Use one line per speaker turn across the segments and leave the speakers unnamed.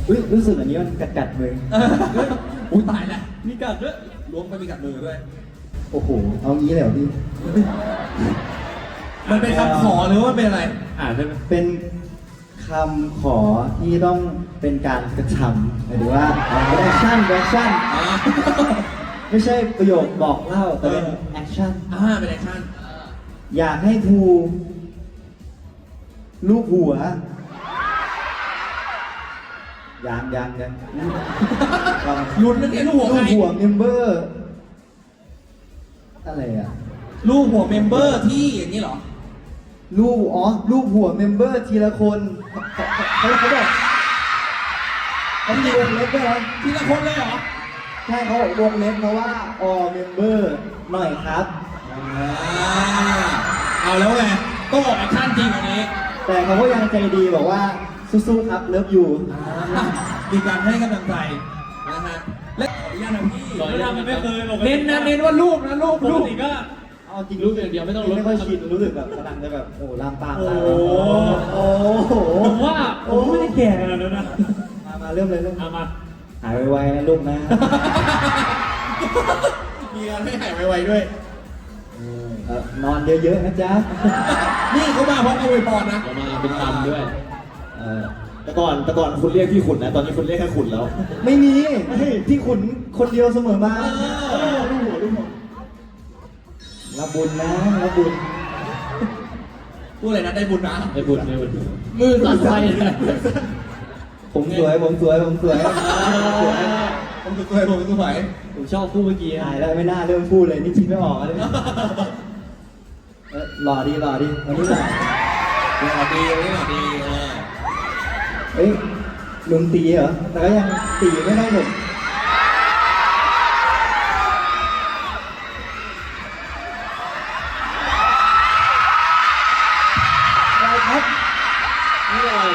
รู้สึกอันนี้มันกัดมือ
อุ้ยตายแล้วมีกัดด้วยล้วงไปมีกัดมือด้วย
โอ้โหเอางี้เลยเหรอพี่
มันเป็นคำขอหรือว่ามันเป็นอะไร
ได้ไหม
เป็นคำขอที่ต้องเป็นการกระทำหมายถึงว่าแอคชั่นไม่ใช่ประโยคบอกเล่าแต่เป็นแอคชั่น
เป็นแอคชั่น
อยากให้ภูลูกหัวยัง
ลุ้นนั่นเองลูกหัว
ลู
ใคร
กหัวเมมเบอร์อะไรอ่ะ
ลูกหัวเมมเบอร์ที่อย่างนี้เหรอ
ลูกหัวเมมเบอร์ทีละคนเขาบอกเขามีวงเล็บด้วยนะ
ทีละคนเลยเหรอ
ใช่เขาบอกวงเล็บนะว่า all member หน่อยครับ
เอาแล้วไงต้องออกแอคชั่นจริงอันนี้
แต่เขาก็ยังใจดีบอกว่าสู้ๆครับเลิฟอยู่
มีการให้กำลังใจนะฮะและขออนุญาตนะพี่
ไม่เคย
เน้นนะเน้นว่าลูกนะลูก
ปกติก็
เอาจริง
รู้อย่างเดียวไม่ต้องลด
ไม่ค่อยชินรู้สึกแบบกำลังจะแบบโอ้ลามปาม
โอ้
โอ้โห
ผมว่าผมไม่ได้แก่ขนาดนั้นนะ
มาเริ่มเลย
เอามา
หายไวๆนะลูกนะ
มีการให้หายไวๆด้วย
นอนเยอะๆนะจ๊ะ
นี่เขามาพร้อมกับอวยพรนะ
เอามาเป็นคำด้วย
แต่ก่อนคุณเรียกพี่ขุนนะ ตอนนี้คุณเรียกแค่ขุนแล้ว
ไม่มีพี่ขุนคนเดียวเสมอมา
ลูกหัว
รับบุญนะรับบุญ
พูดอะไรนะได้บุญนะ
ไม่บุญมือสั่นไปเลย
ผมสวยผมสวย
ผมสวย
ผมชอบคู่เมื่อกี้
หายแล้วไม่น่าเริ่มพูดเลยนี่คิดไม่ออกเลยหล่อดีวันนี้หล่อ
หล่อดีวันนี้หล่อดี
เอ้ยลุงตีเหรอแต่ก็ยังตีไม่ได้ผมอะไรครับ
นี่อะไร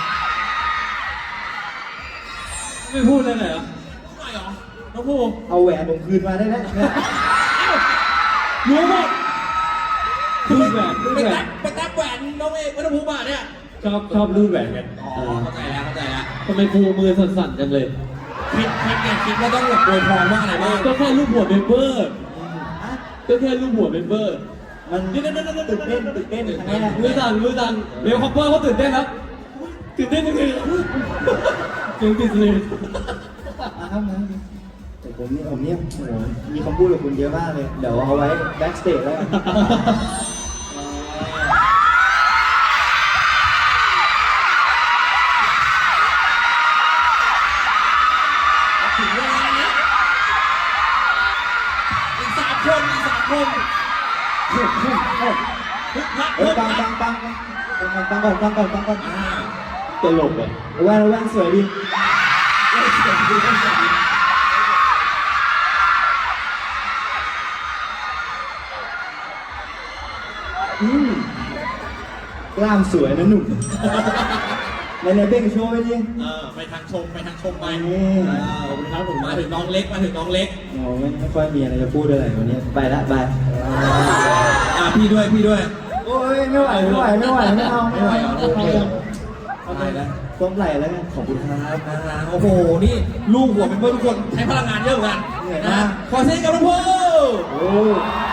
ไม่พูดเลยเหรอ
ทำไมหรอน้องภู
เอาแหวนผมคืนมาได้แล้วเนี่ย
รู้หมด
รูดแหวนรูด
ไป
แหว
แท็
น
กแหวนน้องเอกไม่ต้องพูดมาเนี่ย
ชอบรูดแหวนกัน
เข้าใจแล้ว
ทำไมครูมือสั่นๆจังเลย
คิดว่าต้องแบบโวยพรว่าอะไรบ้าง
ก็แค่รูปหัวเมมเบอร์ก็แค่รูปหัวเมมเบอร์
มันตื่นเต้นครั้งแรก
มือสั่นเบลคอปเปอร์เขาตื่นเต้นครับตื่นเต้นจริงๆจริงติดเลย
ครับนะแต่ผมเนี่ยโอ้โหมีคำพูดกับคุณเยอะมากเลย เดี๋ยวเอาไว้แบ็กสเตจแล้วกัน
ถึงเวลาแล้วอีกสามคน
เอ้ยปังก่อน
ตลกอ่ะ
แว่นสวยดีกล้ามสวยนะหนุ่มในเบ้งโชว์ไปดิ
ไปทางชมไป
นี่
ขอบคุณครับผมมาถึงน้องเล็ก
โอ้ไม่ค่อยมีอะไรจะพูดอะไรวันนี้ไปละไป
พี่ด้วย
โอ้ยไม่ไหวไม่เอา
ไม่ไหวเหรอ
เอาไปแล้วต้มไหลแล้วกันขอบคุณครับ
โอ้โหนี่ลูกหัวเป็นเพื่อนทุกคนใช้พลังงานเยอะเหมือนกัน
เหนื่อย
นะ
มาก
ขอเสียงกับน้องภู
โอ้